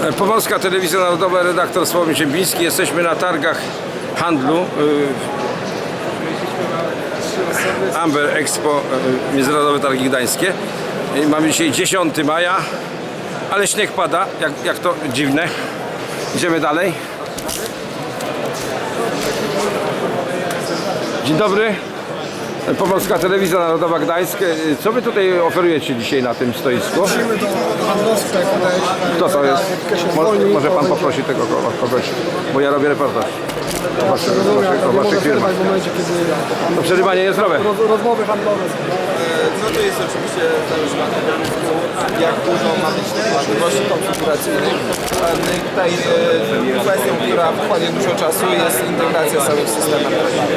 Pomorska Telewizja Narodowa, redaktor Sławomir Ziembiński. Jesteśmy na targach handlu Amber Expo, Międzynarodowe Targi Gdańskie. Mamy dzisiaj 10 maja, ale śnieg pada, jak to dziwne. Idziemy dalej. Dzień dobry. Pomorska Telewizja Narodowa Gdańsk. Co wy tutaj oferujecie dzisiaj na tym stoisku? Musimy do handlowca podejść. Kto to jest? Może pan poprosi tego kogoś, bo ja robię reportaż o waszych firmach. W momencie, kiedy To przerywanie jest zdrowe. rozmowy handlowe. No to jest oczywiście zależne od tego, jak dużo ma być możliwości konfiguracyjnych. Tutaj kwestią, która wchłonie dużo czasu, jest integracja całych systemów.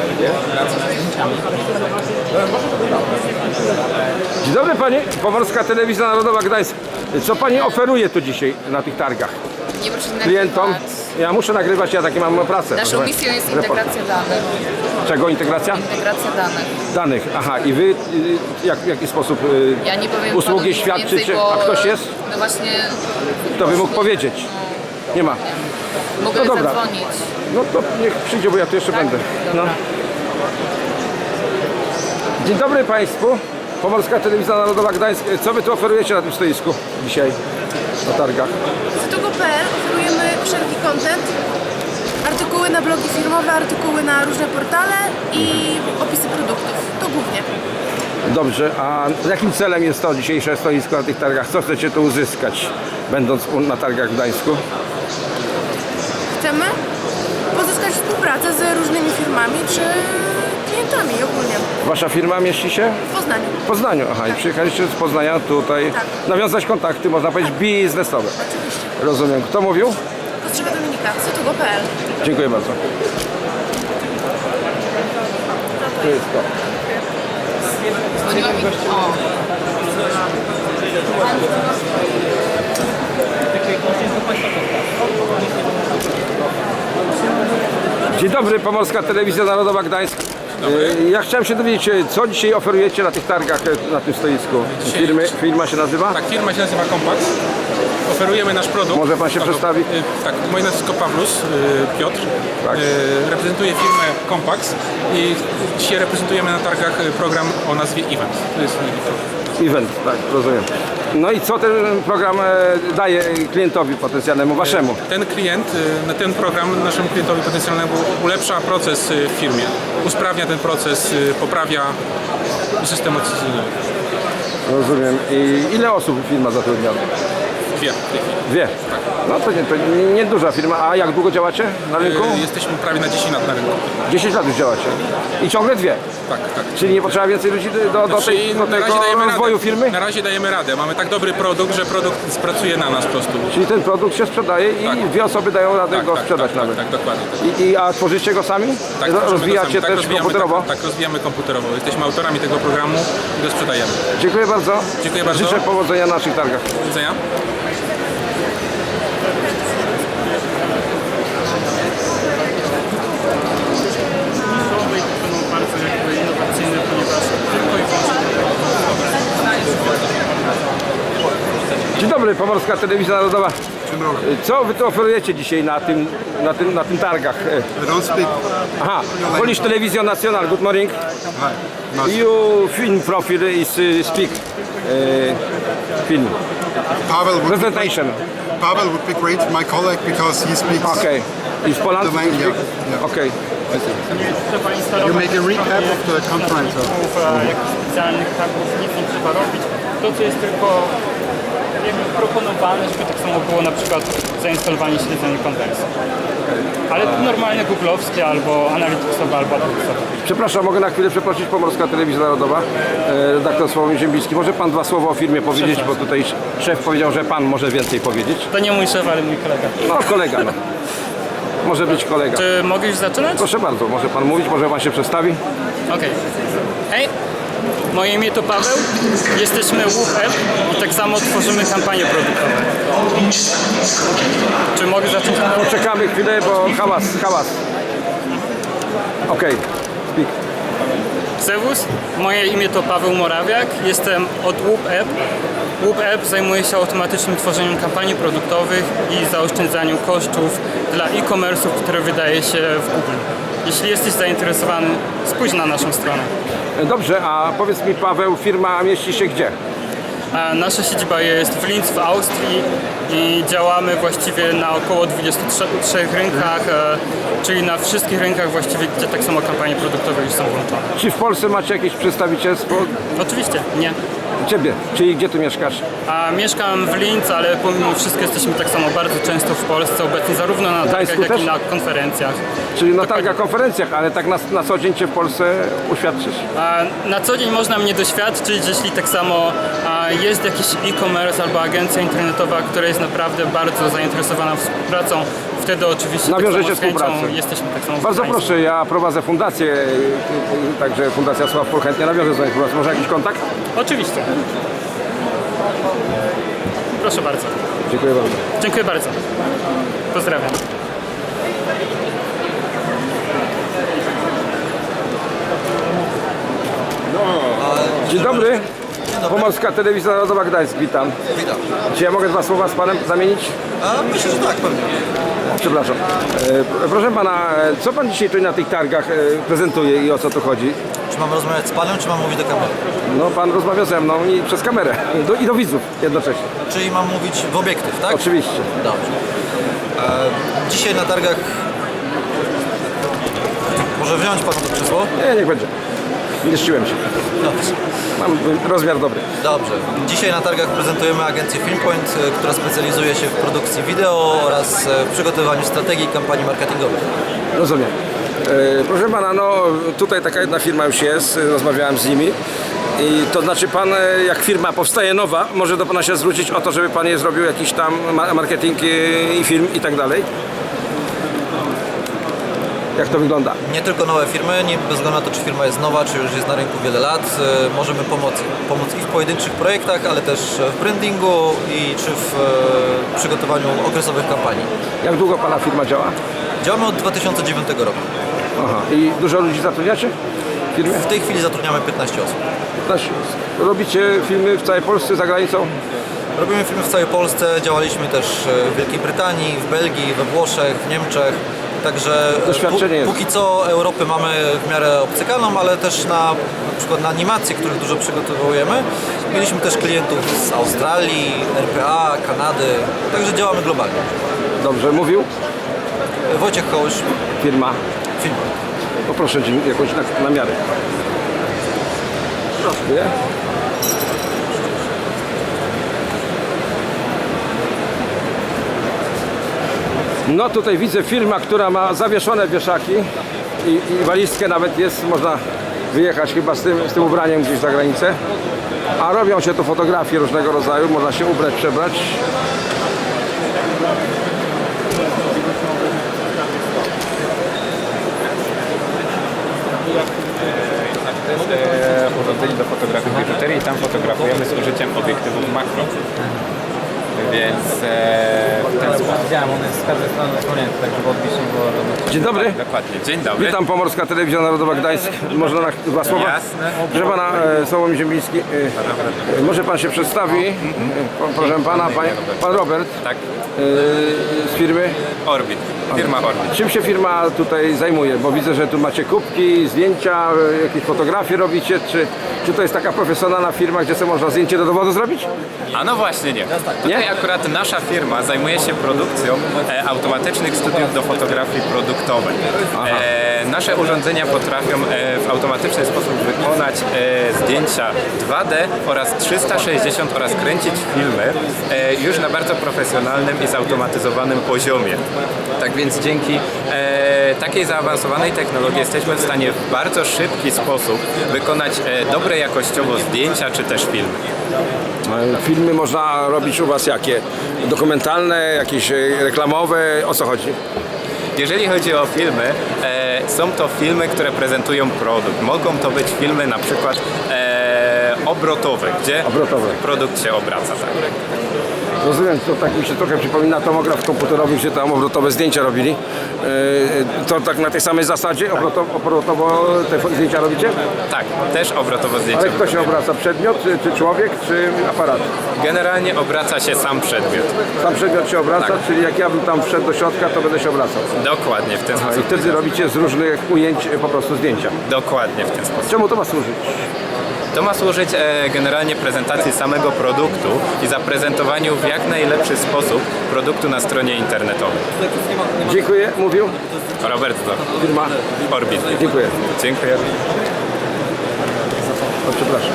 Dzień dobry pani, Pomorska Telewizja Narodowa Gdańsk. Co pani oferuje tu dzisiaj na tych targach? Nie proszę Klientom? nagrywać. Ja muszę nagrywać, ja takie mam pracę. Naszą misją jest integracja danych. Czego integracja? Integracja danych. Danych. Aha, i wy w jaki sposób Ja nie powiem usługi panu nic świadczycie? więcej, bo, A ktoś jest? No właśnie. Kto by mógł powiedzieć? Nie ma. Mogę No dobra. zadzwonić. No to niech przyjdzie, bo ja tu jeszcze Tak? będę. No. Dobra. Dzień dobry Państwu. Pomorska Telewizja Narodowa Gdańsk. Co wy tu oferujecie na tym stoisku dzisiaj na targach? Zotogo.pl oferujemy wszelki content, artykuły na blogi firmowe, artykuły na różne portale i opisy produktów. To głównie. Dobrze, a jakim celem jest to dzisiejsze stoisko na tych targach? Co chcecie tu uzyskać, będąc na targach w Gdańsku? Chcemy pozyskać współpracę z różnymi firmami czy klientami ogólnie Wasza firma mieści się w Poznaniu. w Poznaniu. Aha, i przyjechaliście z Poznania tutaj Tak. nawiązać kontakty, można powiedzieć, biznesowe. Oczywiście. Rozumiem. Kto mówił? Potrzeba Dominika, Zotogo.pl. Dziękuję bardzo. To jest to. Dzwoniła mi. O. Dzień dobry, Pomorska Telewizja Narodowa Gdańsk. Ja chciałem się dowiedzieć, co dzisiaj oferujecie na tych targach, na tym stoisku. Firma się nazywa? Tak, firma się nazywa Compax. Oferujemy nasz produkt. Może pan się przedstawi? Tak, moje nazwisko Pawlus, Piotr. Tak. Reprezentuję firmę Compax i dzisiaj reprezentujemy na targach program o nazwie Event. To jest Event, tak, rozumiem. No i co ten program daje klientowi potencjalnemu, waszemu? ten program naszemu klientowi potencjalnemu ulepsza proces w firmie. Usprawnia ten proces, poprawia systematyzacyjnie. Rozumiem. I ile osób firma zatrudnia? Dwie w tej chwili. Dwie. No to nie duża firma. A jak długo działacie na rynku? Jesteśmy prawie na 10 lat na rynku. 10 lat już działacie. I ciągle dwie. Tak, tak. Czyli nie potrzeba więcej ludzi do Na razie tego dajemy rozwoju radę. firmy? Na razie dajemy radę. Mamy tak dobry produkt, że produkt pracuje na nas po prostu. Czyli ten produkt się sprzedaje i Tak. dwie osoby dają radę go sprzedać tak, nawet. Tak, dokładnie. A tworzycie go sami? Tak, tworzymy Rozwijacie go sami. też rozwijamy, komputerowo? Tak, rozwijamy komputerowo. Jesteśmy autorami tego programu i go sprzedajemy. Dziękuję bardzo. Dziękuję bardzo. Życzę powodzenia na naszych targach. Do widzenia. Dzień dobry, Pomorska Telewizja Narodowa. Co wy tu oferujecie dzisiaj na tym targach? I don't speak. Aha, Polish Television National, good morning. Hi. No, You film profile is speak film presentation. Pavel would be great, my colleague, because he speaks Okay, is Poland? the language. Speak? Yeah. Okay. You make a recap of the conference. Jakichś specjalnych targów nic nie trzeba robić. To, co jest tylko jakby proponowane, żeby tak samo było na przykład zainstalowanie śledzenia kontekstu. Ale normalnie googlowskie albo analityksowe, albo adresowe. Przepraszam, mogę na chwilę przeprosić, Pomorska Telewizja Narodowa, redaktor Sławomir Ziembiński. Może pan dwa słowa o firmie powiedzieć, bo tutaj szef powiedział, że pan może więcej powiedzieć. To nie mój szef, ale mój kolega. No, kolega, no. Może być kolega. Czy mogę już zaczynać? Proszę bardzo, może pan mówić, może pan się przedstawi. Okej. Hej, moje imię to Paweł, jesteśmy WhoopApp i tak samo tworzymy kampanie produktowe. Czy mogę zacząć? Poczekamy chwilę, bo hałas. Okej, speak. Serwus, moje imię to Paweł Morawiak, jestem od WhoopApp WhoopApp zajmuje się automatycznym tworzeniem kampanii produktowych i zaoszczędzaniu kosztów dla e-commerce'ów, które wydaje się w Google. Jeśli jesteś zainteresowany, spójrz na naszą stronę. Dobrze, a powiedz mi, Paweł, firma mieści się gdzie? A nasza siedziba jest w Linz w Austrii i działamy właściwie na około 23 rynkach, czyli na wszystkich rynkach właściwie, gdzie tak samo kampanie produktowe już są włączone. Czy w Polsce macie jakieś przedstawicielstwo? Oczywiście, nie. Ciebie, czyli gdzie ty mieszkasz? A mieszkam w Linz, ale pomimo wszystko jesteśmy tak samo bardzo często w Polsce obecni, zarówno na targach, Gdańsku jak też? i na konferencjach. Czyli na targach, konferencjach, ale tak na co dzień cię w Polsce uświadczysz? A na co dzień można mnie doświadczyć, jeśli tak samo jest jakiś e-commerce albo agencja internetowa, która jest naprawdę bardzo zainteresowana współpracą, wtedy oczywiście Nawiążecie tak samo z chęcią współpracę. jesteśmy tak samo Bardzo z Państwem. proszę, ja prowadzę fundację, także Fundacja Sław Pol chętnie nawiąże z nami współpracę. Może jakiś kontakt? Oczywiście. Proszę bardzo. Dziękuję bardzo. Dziękuję bardzo. Pozdrawiam. Dzień dobry. Pomorska Telewizja Narodowa Gdańsk, witam. Witam. Czy ja mogę dwa słowa z panem zamienić? Myślę, że tak, pewnie. Przepraszam. Proszę pana, co pan dzisiaj tu na tych targach prezentuje i o co tu chodzi? Czy mam rozmawiać z panem, czy mam mówić do kamery? No pan rozmawia ze mną i przez kamerę. I do widzów jednocześnie. Czyli mam mówić w obiektyw, tak? Oczywiście. Dobrze. Dzisiaj na targach... Może wziąć panu to krzesło? Nie, niech będzie. Mieściłem się. Dobrze. Mam rozmiar dobry. Dobrze. Dzisiaj na targach prezentujemy agencję Filmpoint, która specjalizuje się w produkcji wideo oraz w przygotowywaniu strategii i kampanii marketingowych. Rozumiem. Proszę pana, no tutaj taka jedna firma już jest, rozmawiałem z nimi. I to znaczy pan, jak firma powstaje nowa, może do pana się zwrócić o to, żeby pan je zrobił jakiś tam marketing i film i tak dalej? Jak to wygląda? Nie tylko nowe firmy, nie bez względu na to, czy firma jest nowa, czy już jest na rynku wiele lat, możemy pomóc i w pojedynczych projektach, ale też w brandingu i czy w przygotowaniu okresowych kampanii. Jak długo pana firma działa? Działamy od 2009 roku. Aha. I dużo ludzi zatrudniacie w firmie? W tej chwili zatrudniamy 15 osób. Robicie filmy w całej Polsce, za granicą? Robimy filmy w całej Polsce, działaliśmy też w Wielkiej Brytanii, w Belgii, we Włoszech, w Niemczech. Także Doświadczenie jest. póki co Europy mamy w miarę obcykaną, ale też na przykład na animacje, których dużo przygotowujemy. Mieliśmy też klientów z Australii, RPA, Kanady, także działamy globalnie. Dobrze, mówił? Wojciech Kołysz, Firma. film. Poproszę jakąś na miarę. Proszę. No tutaj widzę firma, która ma zawieszone wieszaki i walizkę nawet jest, można wyjechać chyba z tym ubraniem gdzieś za granicę. A robią się tu fotografie różnego rodzaju, można się ubrać, przebrać. To jest urządzenie do fotografii biżuterii i tam fotografujemy z użyciem obiektywów makro. Więc w ten sposób. Widziałem, on jest z każdej strony zasłonięty, tak żeby odbić nie było żadnych... Dzień dobry. Dokładnie. Dzień dobry. Witam, Pomorska Telewizja Narodowa Gdańsk. Można na dwa słowa? Jasne. Proszę pana, Sławomir Ziembiński. Może pan się przedstawi? Proszę pana, pan Robert. Tak. Z firmy? Orbit. Firma Orbit. Czym się firma tutaj zajmuje? Bo widzę, że tu macie kubki, zdjęcia, jakieś fotografie robicie. Czy to jest taka profesjonalna firma, gdzie sobie można zdjęcie do dowodu zrobić? A no właśnie nie. Tutaj akurat nasza firma zajmuje się produkcją automatycznych studiów do fotografii produktowej. Nasze urządzenia potrafią w automatyczny sposób wykonać zdjęcia 2D oraz 360 oraz kręcić filmy już na bardzo profesjonalnym i zautomatyzowanym poziomie. Tak więc dzięki takiej zaawansowanej technologii jesteśmy w stanie w bardzo szybki sposób wykonać dobre jakościowo zdjęcia czy też filmy. Filmy można robić u was jakie? Dokumentalne, jakieś reklamowe? O co chodzi? Jeżeli chodzi o filmy, są to filmy, które prezentują produkt. Mogą to być filmy na przykład obrotowe, gdzie Obrotowe. produkt się obraca. Tak. Rozumiem, to tak mi się trochę przypomina tomograf komputerowy, gdzie tam obrotowe zdjęcia robili. To tak na tej samej zasadzie obrotowo te zdjęcia robicie? Tak, też obrotowo zdjęcia. Ale kto się obraca? Przedmiot, czy człowiek, czy aparat? Generalnie obraca się sam przedmiot. Sam przedmiot się obraca, Tak. czyli jak ja bym tam wszedł do środka, to będę się obracał. Dokładnie w ten I sposób. wtedy robicie z różnych ujęć po prostu zdjęcia. Dokładnie w ten sposób. Czemu to ma służyć? To ma służyć generalnie prezentacji samego produktu i zaprezentowaniu w jak najlepszy sposób produktu na stronie internetowej. Dziękuję, mówił Robert Zor, firma. Orbit. Dziękuję. Dziękuję. O, przepraszam.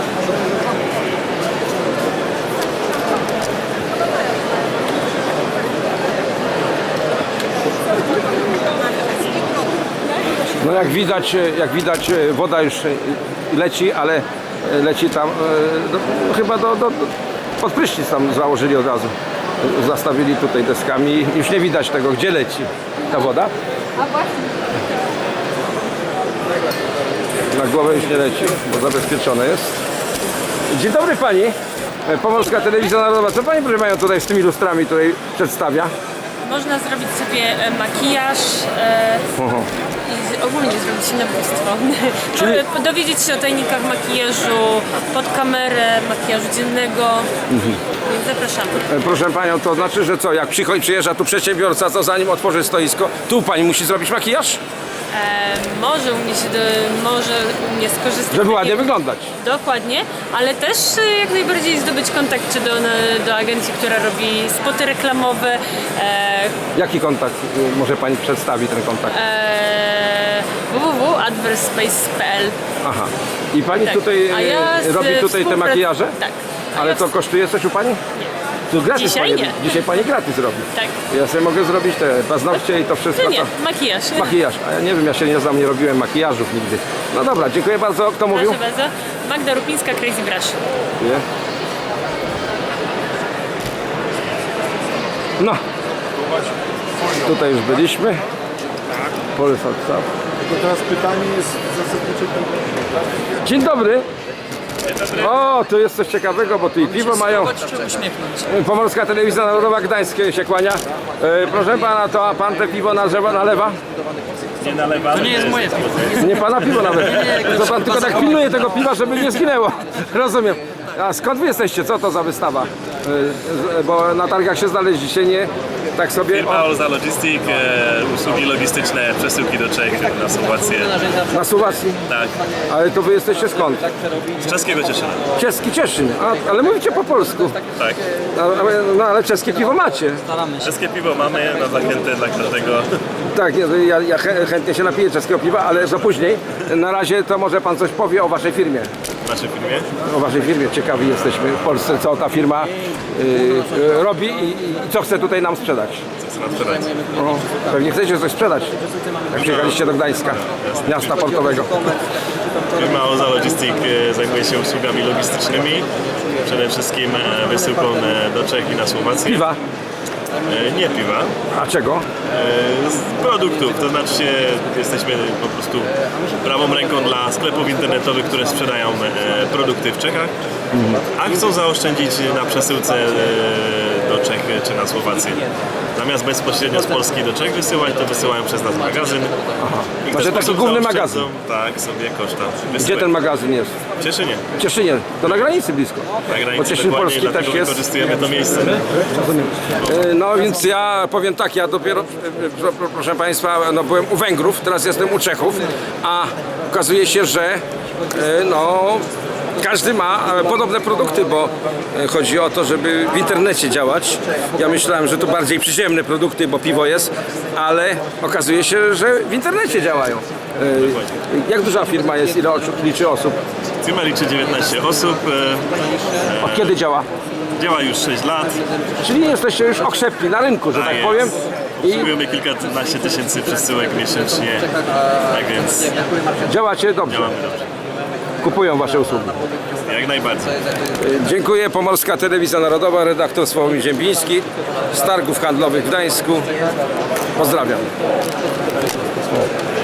No jak widać woda już leci, ale leci tam chyba pod prysznic tam założyli od razu. Zastawili tutaj deskami. Już nie widać tego, gdzie leci ta woda. Na głowę już nie leci, bo zabezpieczone jest. Dzień dobry pani. Pomorska Telewizja Narodowa. Co pani, proszę panią, tutaj z tymi lustrami tutaj przedstawia? Można zrobić sobie makijaż i ogólnie zrobić się nabóstwo. Dowiedzieć się o tajnikach makijażu pod kamerę, makijażu dziennego. Więc zapraszamy. Proszę panią, to znaczy, że co, jak przyjeżdża tu przedsiębiorca, to zanim otworzy stoisko, tu pani musi zrobić makijaż? Może u mnie skorzystać. Żeby ładnie wyglądać. Dokładnie, ale też jak najbardziej zdobyć kontakt czy do agencji, która robi spoty reklamowe. Jaki kontakt może pani przedstawić ten kontakt? www.adverspace.pl. Aha. I pani Tak. tutaj A ja robi tutaj te makijaże? Tak. A Ale ja to kosztuje coś u pani? Tu gratis Dzisiaj pani, nie. Dzisiaj pani gratis robi. Tak. Ja sobie mogę zrobić te paznokcie i to wszystko. Nie, to... makijaż. Makijaż. A ja nie wiem, ja się nie znam, nie robiłem makijażów nigdy. No dobra, dziękuję bardzo. Kto mówił? Proszę bardzo. Magda Rupińska, Crazy Brush. Nie. No. Tutaj już byliśmy. Polsat. To teraz pytanie jest zasadnicze. Dzień dobry. O, tu jest coś ciekawego, bo tu i piwo mają. Pomorska Telewizja Narodowa Gdańskie się kłania. Proszę pana, to a pan te piwo nalewa? Nie nalewa. To nie jest moje piwo. Nie pana piwo nawet. To pan tylko tak pilnuje tego piwa, żeby nie zginęło. Rozumiem. A skąd wy jesteście? Co to za wystawa? Bo na targach się znaleźliście, nie? Tak sobie... Firma Olza Logistic, usługi logistyczne, przesyłki do Czech, na Słowację. Na Słowacji? Tak, Ale to wy jesteście skąd? z czeskiego Cieszyna. Czeski Cieszyn. Ale mówicie po polsku. Tak. No ale czeskie piwo macie. Czeskie piwo mamy na zachętę dla każdego. Tak, ja chętnie się napiję czeskiego piwa, ale za później. Na razie to może pan coś powie o waszej firmie. W naszej firmie. O waszej firmie. Ciekawi jesteśmy w Polsce, co ta firma robi i co chce tutaj nam sprzedać. Co nam sprzedać? O, pewnie chcecie coś sprzedać, jak przyjechaliście do Gdańska, miasta portowego. Firma Olza Logistic zajmuje się usługami logistycznymi. Przede wszystkim wysyłką do Czech i na Słowację. Piwa. Nie piwa. A czego? Produktów, to znaczy jesteśmy po prostu prawą ręką dla sklepów internetowych, które sprzedają produkty w Czechach, a chcą zaoszczędzić na przesyłce do Czech czy na Słowację. Zamiast bezpośrednio z Polski do Czech wysyłać, to wysyłają przez nas magazyn. I w ten Znaczy taki sposób główny zaoszczędzą, magazyn. tak, sobie koszta wysyłek. Gdzie ten magazyn jest? W Cieszynie. W Cieszynie. To na granicy blisko. Na Bo granicy Cieszyn dokładnie, Polski dlatego też jest. wykorzystujemy to miejsce. No więc ja powiem tak, ja dopiero, proszę Państwa, no byłem u Węgrów, teraz jestem u Czechów, a okazuje się, że no każdy ma podobne produkty, bo chodzi o to, żeby w internecie działać. Ja myślałem, że to bardziej przyziemne produkty, bo piwo jest, ale okazuje się, że w internecie działają. Jak duża firma jest, ile liczy osób? Firma liczy 19 osób. Od kiedy działa? Działa już 6 lat. Czyli jesteście już okrzepni na rynku, że tak jest. powiem. I Obsługujemy kilkanaście tysięcy przesyłek miesięcznie, tak więc działacie dobrze. działamy dobrze. Kupują wasze usługi. Jak najbardziej. Dziękuję. Pomorska Telewizja Narodowa, redaktor Sławomir Ziembiński z Targów Handlowych w Gdańsku. Pozdrawiam.